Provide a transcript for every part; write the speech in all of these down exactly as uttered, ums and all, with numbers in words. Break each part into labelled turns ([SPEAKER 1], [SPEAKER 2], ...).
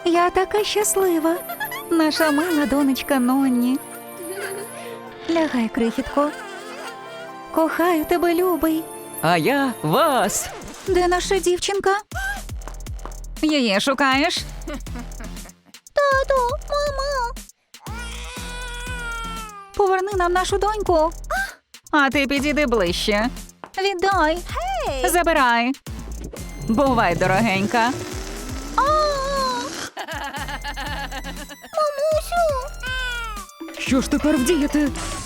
[SPEAKER 1] Я така щаслива. Наша мила донечка Нонні. Лягай, крихітко. Кохаю тебе, любий.
[SPEAKER 2] А я вас.
[SPEAKER 1] Де наша дівчинка? Її шукаєш? Тату, мамо. Поверни нам нашу доньку. А ти підійди ближче. Віддай. Забирай. Бувай, дорогенька. Мамусю.
[SPEAKER 2] Що ж тепер вдіяти?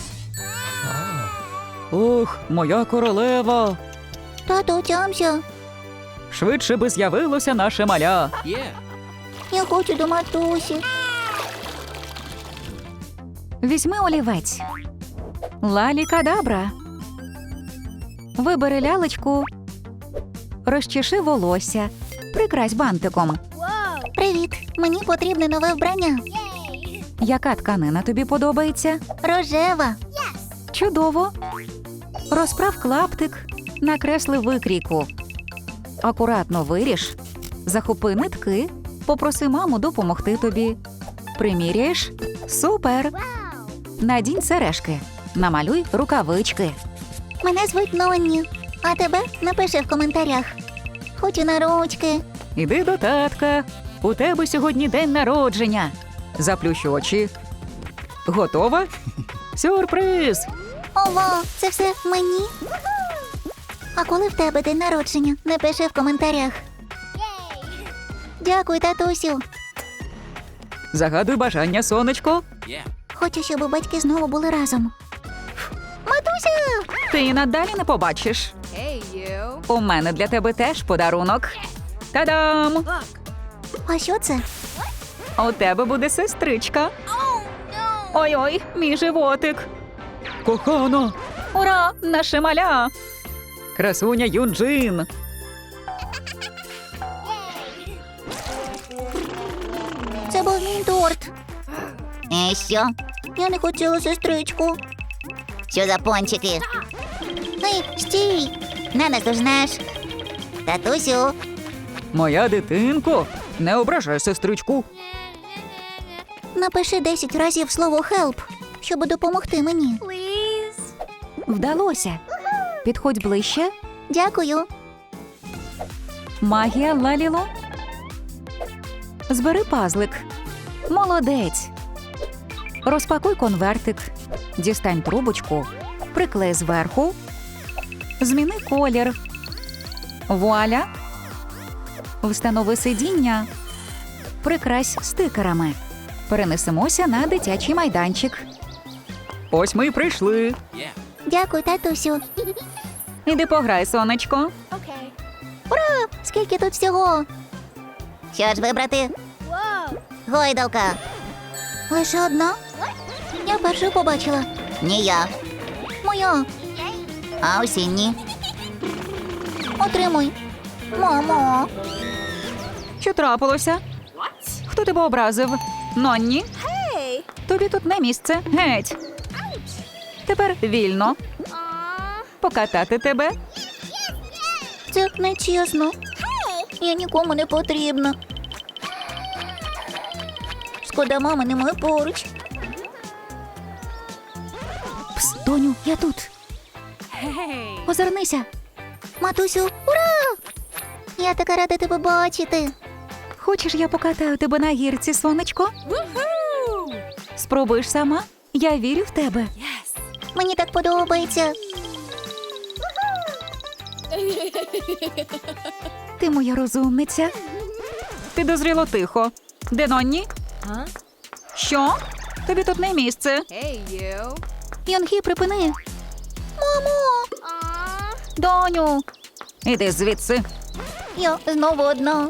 [SPEAKER 2] Ох, моя королева.
[SPEAKER 1] Тату, тямся.
[SPEAKER 2] Швидше би з'явилося наше маля.
[SPEAKER 1] Я хочу до матусі. Візьми олівець. Лалі-кадабра. Вибери лялечку. Розчеши волосся. Прикрась бантиком. Привіт. Мені потрібне нове вбрання. Яка тканина тобі подобається? Рожева. Чудово. Розправ клаптик. Накресли викрійку. Акуратно виріж. Захопи нитки. Попроси маму допомогти тобі. Приміряєш? Супер! Надінь сережки. Намалюй рукавички. Мене звуть Нонні. А тебе напиши в коментарях. Хочу на ручки.
[SPEAKER 2] Іди до татка. У тебе сьогодні день народження. Заплющ очі. Готова? Сюрприз!
[SPEAKER 1] Ова, це все мені? А коли в тебе день народження? Напиши в коментарях. Дякую, татусю.
[SPEAKER 2] Загадуй бажання, сонечко.
[SPEAKER 1] Хочу, щоб батьки знову були разом. Матуся! Ти і надалі не побачиш. У мене для тебе теж подарунок. Та-дам! А що це? У тебе буде сестричка. Ой-ой, мій животик.
[SPEAKER 2] Кохана!
[SPEAKER 1] Ура, наше маля!
[SPEAKER 2] Красуня Юнджин!
[SPEAKER 1] Це був мій торт. І що? Я не хотіла сестричку. Що за пончики? Ей, стій! Не наздожнеш. Татусю.
[SPEAKER 2] Моя дитинко! Не ображай сестричку.
[SPEAKER 1] Напиши десять разів слово «help», щоб допомогти мені. Вдалося. Підходь ближче. Дякую. Магія Лаліло. Збери пазлик. Молодець. Розпакуй конвертик. Дістань трубочку. Приклей зверху. Зміни колір. Вуаля. Встанови сидіння. Прикрась стикерами. Перенесемося на дитячий майданчик.
[SPEAKER 2] Ось ми й прийшли.
[SPEAKER 1] Дякую, татусю. Іди пограй, сонечко. Окей. Ура! Скільки тут всього? Що ж вибрати? Гойдалка. Лише одна? Я першу побачила. Ні я. Моя. А усі ні. Отримуй. Мамо. Що трапилося? Хто тебе образив? Нонні? Тобі тут не місце. Геть. Тепер вільно. Покатати тебе? Це нечесно. Я нікому не потрібна. Шкода, мами немає поруч. Пс, доню, я тут. Озирнися. Матусю, ура! Я така рада тебе бачити. Хочеш, я покатаю тебе на гірці, сонечко? Спробуєш сама? Я вірю в тебе. Мені так подобається. Ти моя розумниця. Підозріло тихо. Де Нонні? Що? Тобі тут не місце. Йонхі, припини. Мамо! Доню! Іди звідси. Я знову одна.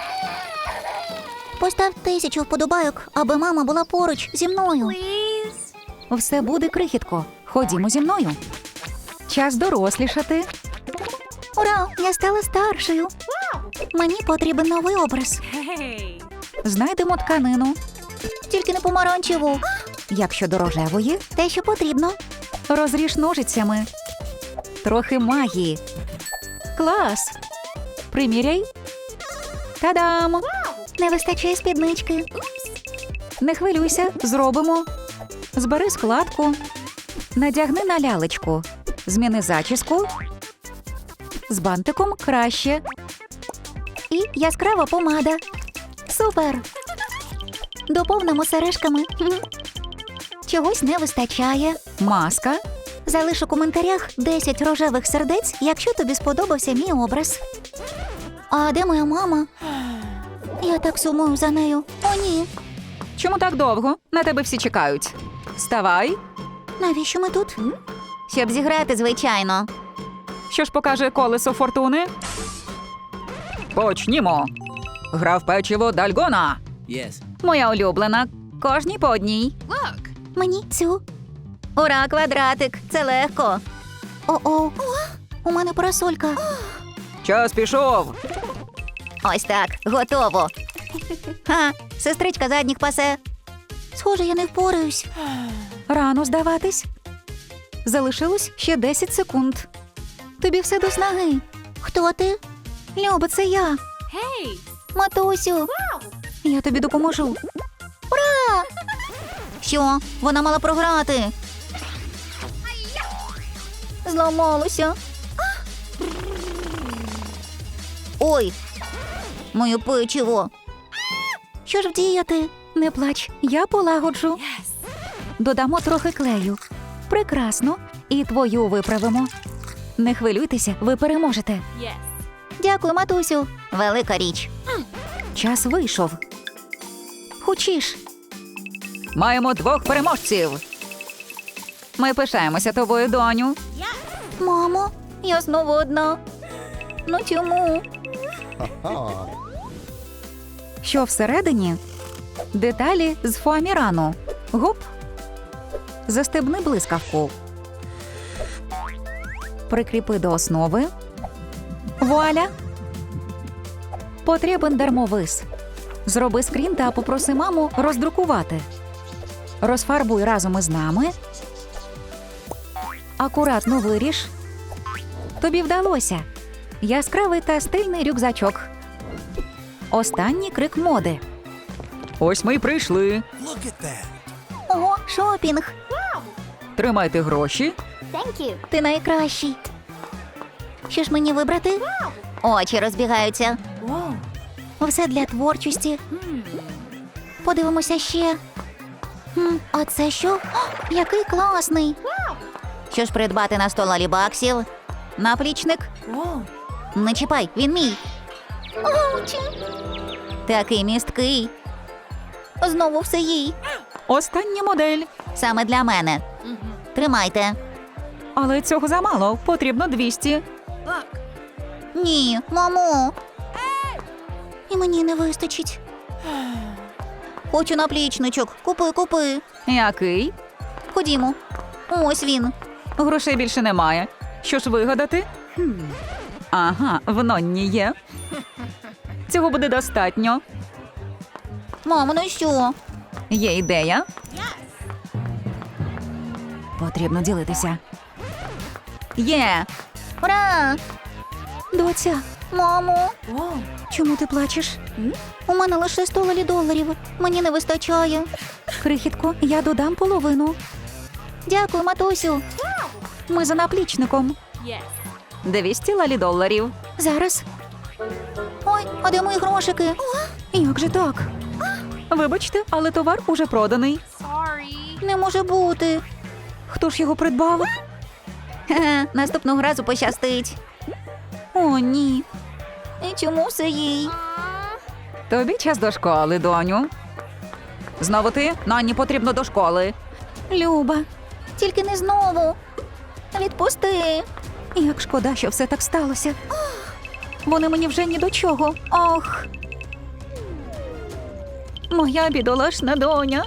[SPEAKER 1] Постав тисячу вподобайок, аби мама була поруч зі мною. Все буде, крихітко. Ходімо зі мною. Час дорослішати. Ура! Я стала старшою. Мені потрібен новий образ. Знайдемо тканину. Тільки не помаранчеву. Як щодо рожевої, те, що потрібно. Розріж ножицями. Трохи магії. Клас! Приміряй. Та-дам! Не вистачає спіднички. Не хвилюйся, зробимо. Збери складку. Надягни на лялечку. Зміни зачіску. З бантиком краще. І яскрава помада. Супер! Доповнимо сережками. Хм. Чогось не вистачає. Маска. Залиш у коментарях десять рожевих сердець, якщо тобі сподобався мій образ. А де моя мама? Я так сумую за нею. О, ні.
[SPEAKER 2] Чому так довго? На тебе всі чекають. Вставай.
[SPEAKER 1] Навіщо ми тут? Щоб зіграти, звичайно.
[SPEAKER 2] Що ж покаже колесо фортуни? Почнімо. Гра в печиво Дальгона.
[SPEAKER 3] Yes.
[SPEAKER 2] Моя улюблена. Кожній по одній.
[SPEAKER 1] Мені цю. Ура, квадратик. Це легко. О-о. У мене парасолька.
[SPEAKER 2] Час пішов.
[SPEAKER 1] Ось так, готово. Ха, сестричка задніх пасе. Схоже, я не впораюсь. Рано здаватись. Залишилось ще десять секунд. Тобі все до снаги. Хто ти? Люба, це я.
[SPEAKER 4] Hey!
[SPEAKER 1] Матусю. Я тобі допоможу. Ура! Що? Вона мала програти. Зламалося. Ой, моє печиво. Що ж вдіяти? Не плач, я полагоджу.
[SPEAKER 4] Yes!
[SPEAKER 1] Додамо трохи клею. Прекрасно. І твою виправимо. Не хвилюйтеся, ви переможете.
[SPEAKER 4] Yes!
[SPEAKER 1] Дякую, матусю. Велика річ. Час вийшов. Хочеш?
[SPEAKER 2] Маємо двох переможців. Ми пишаємося тобою, доню.
[SPEAKER 1] Мамо, я знову одна. Ну чому? Що всередині? Деталі з фоамірану. Гоп. Застебни блискавку. Прикріпи до основи. Вуаля! Потрібен дермовис. Зроби скрін та попроси маму роздрукувати. Розфарбуй разом із нами. Акуратно виріж. Тобі вдалося. Яскравий та стильний рюкзачок. Останній крик моди.
[SPEAKER 2] Ось ми й прийшли.
[SPEAKER 3] Look at that.
[SPEAKER 1] Ого, шопінг.
[SPEAKER 2] Тримайте гроші.
[SPEAKER 1] Ти найкращий. Що ж мені вибрати? Очі розбігаються.
[SPEAKER 4] Whoa!
[SPEAKER 1] Все для творчості.
[SPEAKER 4] Hmm.
[SPEAKER 1] Подивимося ще. Хм, а це що? О, який класний. Що ж придбати на сто лалібаксів? Наплічник?
[SPEAKER 4] Whoa!
[SPEAKER 1] Не чіпай, він мій. Оучі. Такий місткий. Знову все їй.
[SPEAKER 2] Остання модель.
[SPEAKER 1] Саме для мене. Тримайте.
[SPEAKER 2] Але цього замало. Потрібно двісті.
[SPEAKER 4] Look!
[SPEAKER 1] Ні, мамо. І мені не вистачить. Хочу наплічничок. Купи, купи.
[SPEAKER 2] Який?
[SPEAKER 1] Ходімо. Ось він.
[SPEAKER 2] Грошей більше немає. Що ж вигадати? Ага, в Нонні є. Цього буде достатньо.
[SPEAKER 1] Мамо, ну що?
[SPEAKER 2] Є ідея.
[SPEAKER 1] Потрібно ділитися.
[SPEAKER 2] Є.
[SPEAKER 1] Ура! Доця, мамо,
[SPEAKER 4] Whoa!
[SPEAKER 1] чому ти плачеш? У мене лише сто лалі доларів. Мені не вистачає. Крихітко, я додам половину. Дякую, матусю. Ми за наплічником.
[SPEAKER 4] Yes!
[SPEAKER 2] двісті лалі доларів.
[SPEAKER 1] Зараз. Ой, а де мої грошики? Як же так?
[SPEAKER 2] Вибачте, але товар уже проданий.
[SPEAKER 4] Sorry!
[SPEAKER 1] Не може бути.
[SPEAKER 2] Хто ж його придбав?
[SPEAKER 1] Хе-хе, наступного разу пощастить. О, ні. І чому все їй?
[SPEAKER 2] Тобі час до школи, доню. Знову ти? Нонні потрібно до школи.
[SPEAKER 1] Люба, тільки не знову. Відпусти. Як шкода, що все так сталося. Вони мені вже ні до чого. Ох. Моя бідолашна доня.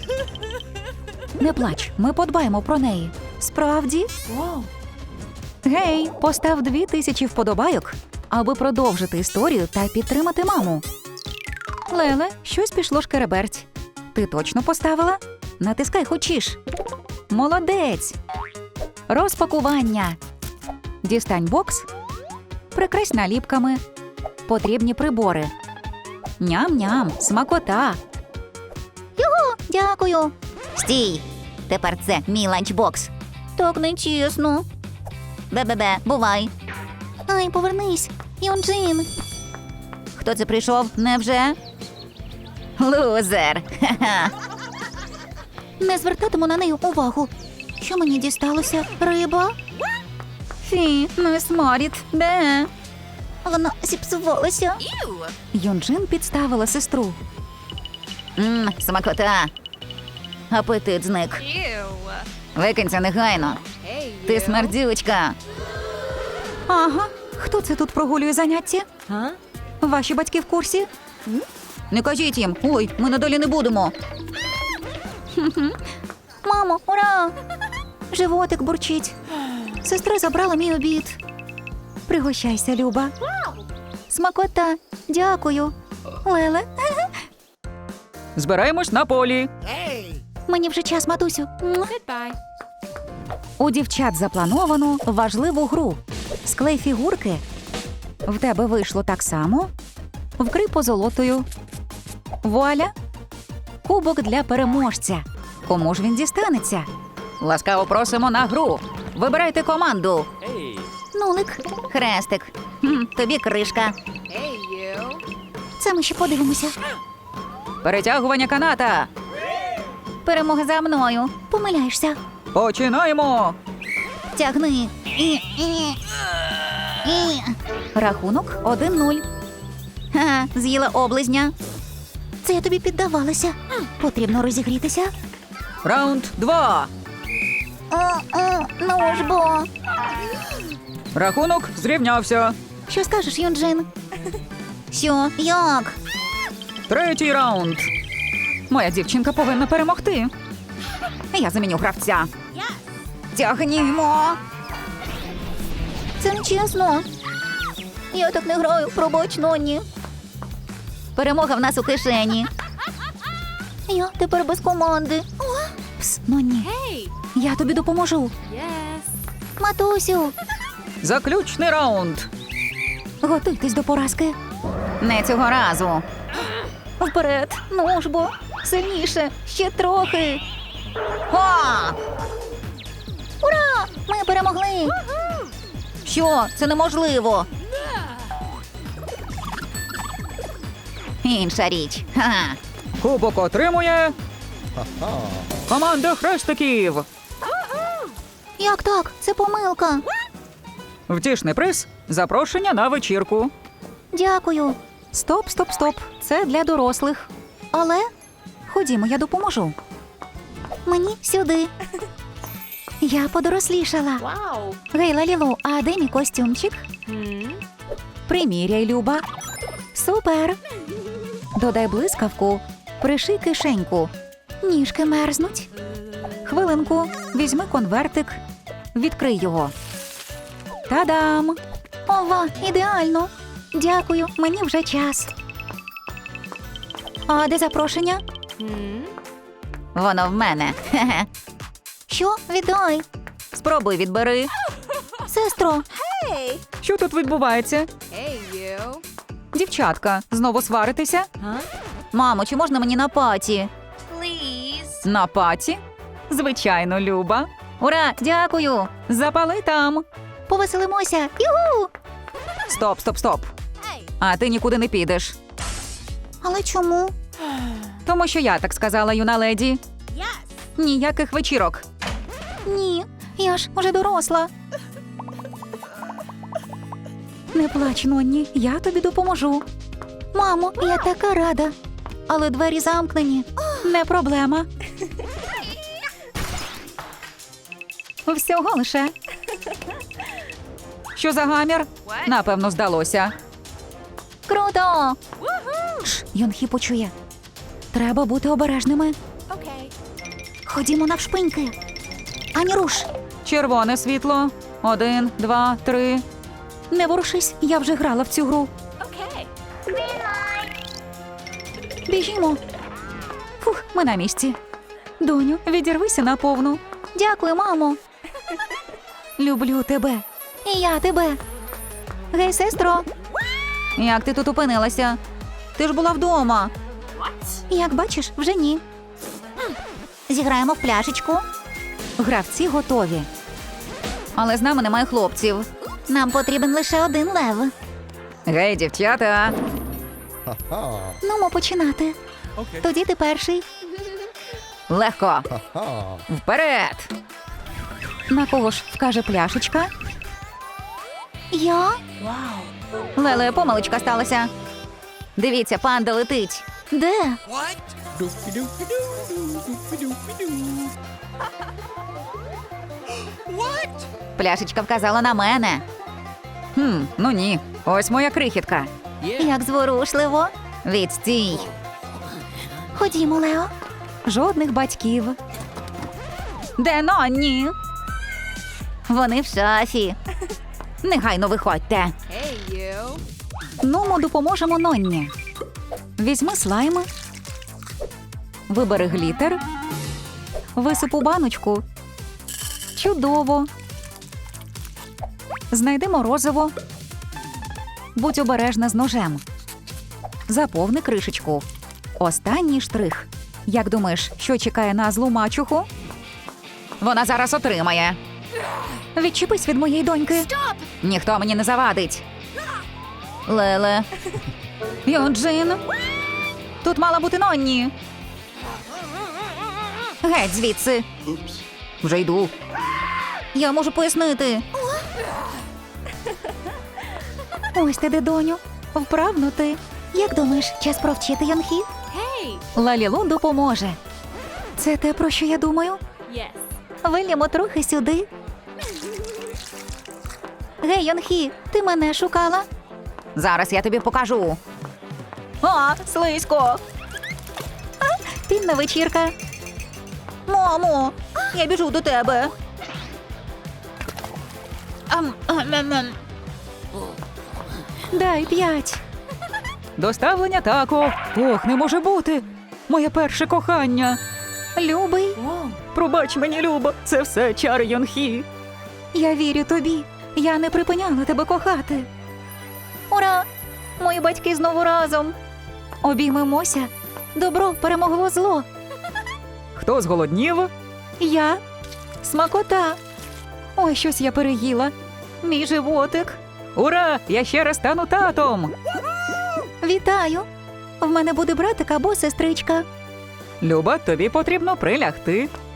[SPEAKER 1] Не плач, ми подбаємо про неї. Справді?
[SPEAKER 4] Whoa!
[SPEAKER 1] Гей, постав дві тисячі вподобайок, аби продовжити історію та підтримати маму. Леле, щось пішло шкереберть. Ти точно поставила? Натискай хочеш. Молодець. Розпакування. Дістань бокс. Прикрась наліпками. Потрібні прибори. Ням-ням, смакота. Його, дякую. Стій. Тепер це мій ланчбокс. Так нечесно. Бе-бе-бе, бувай. Ай, повернись. Юнджин. Хто це прийшов? Невже? Лузер. Ха-ха. Не звертатиму на неї увагу. Що мені дісталося? Риба? Фі, не сморід. Де? Вона зіпсувалася. Юнджин підставила сестру. Мм, смакота. Апетит зник. Викинься негайно. Ти смердючка. Ага. Хто це тут прогулює заняття? Ваші батьки в курсі? Не кажіть їм. Ой, ми надалі не будемо. Мамо, ура! Животик бурчить. Сестра забрала мій обід. Пригощайся, Люба. Смакота. Дякую. Леле.
[SPEAKER 2] Збираємось на полі.
[SPEAKER 1] Мені вже час, матусю. У дівчат заплановано важливу гру. Склей фігурки. В тебе вийшло так само. Вкрий позолотою. Вуаля. Кубок для переможця. Кому ж він дістанеться?
[SPEAKER 2] Ласкаво просимо на гру. Вибирайте команду.
[SPEAKER 1] Нулик. Хрестик. Хм, тобі кришка. Це ми ще подивимося.
[SPEAKER 2] Перетягування каната.
[SPEAKER 1] Перемога за мною. Помиляєшся.
[SPEAKER 2] Починаємо.
[SPEAKER 1] Тягни. І, і, і. Рахунок один нуль. Ха, з'їла облизня. Це я тобі піддавалася. Потрібно розігрітися.
[SPEAKER 2] Раунд два.
[SPEAKER 1] О-о, ну ж бо.
[SPEAKER 2] Рахунок зрівнявся.
[SPEAKER 1] Що скажеш, Юнджин? Що? Як?
[SPEAKER 2] Третій раунд. Моя дівчинка повинна перемогти. Я заміню гравця.
[SPEAKER 1] Тягнімо. Це нечесно. Я так не граю, пробач, Нонні. Перемога в нас у кишені. Я тепер без команди. Пс, Нонні, я тобі допоможу. Матусю,
[SPEAKER 2] Заключний раунд.
[SPEAKER 1] готуйтесь до поразки. Не цього разу. Вперед, ну ж бо, сильніше, ще трохи. Ха! Ура! Ми перемогли! Що? Це неможливо. Інша річ. Ха-ха.
[SPEAKER 2] Кубок отримує команда хрестиків.
[SPEAKER 1] Як так? Це помилка.
[SPEAKER 2] Втішний приз – запрошення на вечірку.
[SPEAKER 1] Дякую. Стоп, стоп, стоп. Це для дорослих. Але ходімо, я допоможу. Мені сюди. Я подорослішала.
[SPEAKER 3] Вау!
[SPEAKER 1] Гей, Лалілу, а де мій костюмчик? Приміряй, Люба. Супер. Додай блискавку. Приший кишеньку. Ніжки мерзнуть. Хвилинку. Візьми конвертик. Відкрий його. Та-дам! Ова, ідеально. Дякую, мені вже час. А де запрошення?
[SPEAKER 2] Воно в мене. Хе-хе.
[SPEAKER 1] Що? Віддай.
[SPEAKER 2] Спробуй відбери.
[SPEAKER 1] Сестро,
[SPEAKER 2] Що тут відбувається?
[SPEAKER 3] Hey, you.
[SPEAKER 2] Дівчатка, знову сваритеся?
[SPEAKER 1] мамо, чи можна мені на паті?
[SPEAKER 3] Please.
[SPEAKER 2] На паті? Звичайно, Люба.
[SPEAKER 1] Ура, дякую.
[SPEAKER 2] Запали там.
[SPEAKER 1] Повеселимося. Югу!
[SPEAKER 2] Стоп, стоп, стоп. А ти нікуди не підеш.
[SPEAKER 1] Але чому?
[SPEAKER 2] Тому що я так сказала, юна леді.
[SPEAKER 3] Yes.
[SPEAKER 2] Ніяких вечірок.
[SPEAKER 1] Ні, я ж уже доросла. Не плач, Нонні, я тобі допоможу. Мамо, я така рада. Але двері замкнені. Не проблема. Всього лише.
[SPEAKER 2] Що за гамір? Напевно, здалося.
[SPEAKER 1] Круто! Шш, Йонхі почує. Треба бути обережними.
[SPEAKER 3] Okay.
[SPEAKER 1] Ходімо навшпиньки. Ані руш.
[SPEAKER 2] Червоне світло. Один, два, три.
[SPEAKER 1] Не ворушись, я вже грала в цю гру.
[SPEAKER 3] Okay.
[SPEAKER 1] Біжімо. Фух, ми на місці. Доню, відірвися наповну. Дякую, мамо. Люблю тебе. І я тебе. Гей, сестро.
[SPEAKER 2] Як ти тут опинилася? Ти ж була вдома.
[SPEAKER 1] Як бачиш, вже ні. Зіграємо в пляшечку.
[SPEAKER 2] Гравці готові. Але з нами немає хлопців.
[SPEAKER 1] Нам потрібен лише один лев.
[SPEAKER 2] Гей, дівчата.
[SPEAKER 1] Нумо починати. Тоді ти перший.
[SPEAKER 2] Легко. Вперед. На кого ж вкаже пляшечка?
[SPEAKER 1] Я?
[SPEAKER 2] Леле, помилочка сталася. Дивіться, панда летить.
[SPEAKER 1] Де?
[SPEAKER 2] Пляшечка вказала на мене. Хм, ну ні. Ось моя крихітка.
[SPEAKER 1] Як зворушливо.
[SPEAKER 2] Відстій.
[SPEAKER 1] Ходімо, Лео.
[SPEAKER 2] Жодних батьків. Де Нонні?
[SPEAKER 1] Вони в шафі.
[SPEAKER 2] Негайно виходьте.
[SPEAKER 3] Hey, you.
[SPEAKER 2] Ну, ми допоможемо Нонні. Візьми слайм. Вибери глітер. Висипу баночку. Чудово. Знайди морозиво. Будь обережна з ножем. Заповни кришечку. Останній штрих. Як думаєш, що чекає на злу мачуху? Вона зараз отримає. Відчепись від моєї доньки. Ніхто мені не завадить. Леле. Йоджин. Тут мала бути Нонні. Геть звідси. Вже йду. Я можу пояснити.
[SPEAKER 1] Ось ти де, доню.
[SPEAKER 2] Вправно ти.
[SPEAKER 1] Як думаєш, час провчити Йонхі?
[SPEAKER 3] Hey.
[SPEAKER 2] Лалілу допоможе.
[SPEAKER 1] Це те, про що я думаю?
[SPEAKER 3] Yes.
[SPEAKER 1] Вильямо трохи сюди. Гей, Йонхі, ти мене шукала?
[SPEAKER 2] Зараз я тобі покажу. А, слизько.
[SPEAKER 1] Пінна вечірка.
[SPEAKER 2] Мамо, я біжу до тебе.
[SPEAKER 1] Ам, ам, ам, ам. Дай п'ять.
[SPEAKER 2] Доставлення тако. Ох, не може бути. Моє перше кохання.
[SPEAKER 1] Любий,
[SPEAKER 2] Пробач мені, Люба, це все чари Йонхі.
[SPEAKER 1] я вірю тобі. Я не припиняла тебе кохати. Ура! Мої батьки знову разом. Обіймемося. Добро перемогло зло.
[SPEAKER 2] Хто зголоднів?
[SPEAKER 1] Я смакота. Ой, щось я переїла. Мій животик.
[SPEAKER 2] Ура! Я ще раз стану татом.
[SPEAKER 1] Вітаю. В мене буде братик або сестричка.
[SPEAKER 2] Люба, тобі потрібно прилягти.